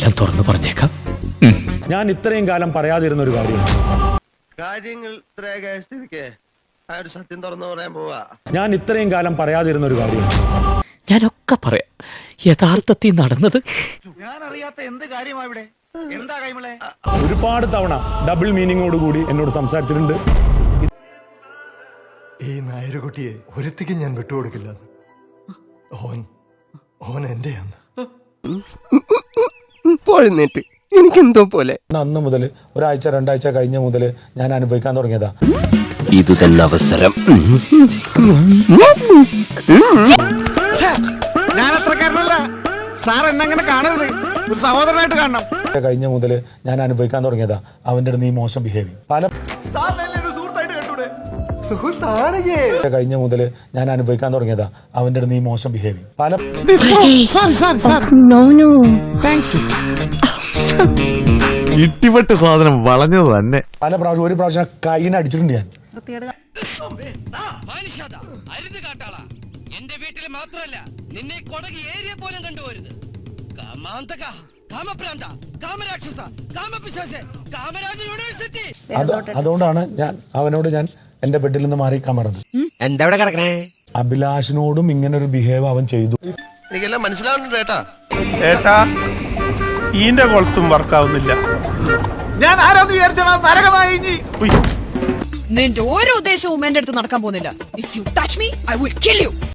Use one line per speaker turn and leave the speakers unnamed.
എല്ലാം തുറന്നു പറഞ്ഞേക്കാം.
ഞാൻ ഇത്രയും കാലം പറയാതിരുന്ന ഒരു കാര്യമാണ്.
കാര്യങ്ങൾ സത്യം തുറന്നു പറയാൻ പോവാ.
ഞാൻ ഇത്രയും കാലം പറയാതിരുന്ന ഒരു കാര്യമാണ്.
ഞാനൊക്കെ പറയാം. യഥാർത്ഥത്തിൽ നടന്നത്
ഞാൻ അറിയാത്ത എന്ത് കാര്യമാ ഇവിടെ? എന്താ കൈമളെ?
ഒരുപാട് തവണ ഡബിൾ മീനിങ്ങോട് കൂടി എന്നോട് സംസാരിച്ചിട്ടുണ്ട്.
ഈ നായരുകുട്ടിയെ ഒരുത്തിക്ക് ഞാൻ വിട്ടുകൊടുക്കില്ല. ഓൻ എന്റെയാണ്.
പോഴുന്നേറ്റ് എനിക്കെന്തോ പോലെ.
അന്ന് മുതൽ ഒരാഴ്ച 2 ആഴ്ച കഴിഞ്ഞ മുതൽ ഞാൻ അനുഭവിക്കാൻ തുടങ്ങിയതാ.
ഇത് തന്നെ അവസരം.
ഞാൻ അത്രക്കാരനല്ല സാർ, എന്നെങ്ങനെ കാണരുത്, ഒരു സഹോദരനായിട്ട് കാണണം.
കഴിഞ്ഞ മുതൽ ഞാൻ അനുഭവിക്കാൻ തുടങ്ങിയതാ അവന്റെ അടുത്ത് നീ മോശം ബിഹേവിയർ. കഴിഞ്ഞ മുതൽ ഞാൻ അനുഭവിക്കാൻ തുടങ്ങിയതാ അവന്റെ അടുത്ത് നീ മോശം ബിഹേവിയർ.
ഇട്ടിപ്പെട്ട് സാധനം വളഞ്ഞത് തന്നെ.
പല പ്രാവശ്യം ഒരു പ്രാവശ്യം കൈയിനെ അടിച്ചിട്ടുണ്ട് ഞാൻ.
എന്റെ വീട്ടിൽ മാത്രമല്ല, നിന്നെ കൊടകി ഏരിയ പോലും കണ്ടുപോരുത്. കാമാന്തക, കാമപ്രാന്ത, കാമരാക്ഷസ, കാമപിശാച, കാമരാജ യൂണിവേഴ്സിറ്റി.
അതുകൊണ്ടാണ് അവനോട് ഞാൻ എന്റെ ബെഡിൽ നിന്ന് മാറിക്കാൻ പറഞ്ഞത്.
എന്താ ഇവിടെ കിടക്കണേ?
അഭിലാഷിനോടും ഇങ്ങനെ ഒരു ബിഹേവ് അവൻ ചെയ്തു.
എനിക്കെല്ലാം മനസ്സിലാവുന്നുണ്ട് ഏട്ടാ.
ഏട്ടാ ഈന്റെ കൊളത്തും വർക്കാവുന്നില്ല.
ഞാൻ ആരാന്ന് വിചാരിച്ചാ നരകമായി.
നിന്റെ ഓരോ ഉദ്ദേശവും എന്റെ അടുത്ത് നടക്കാൻ പോകുന്നില്ല. If you touch me I will kill U.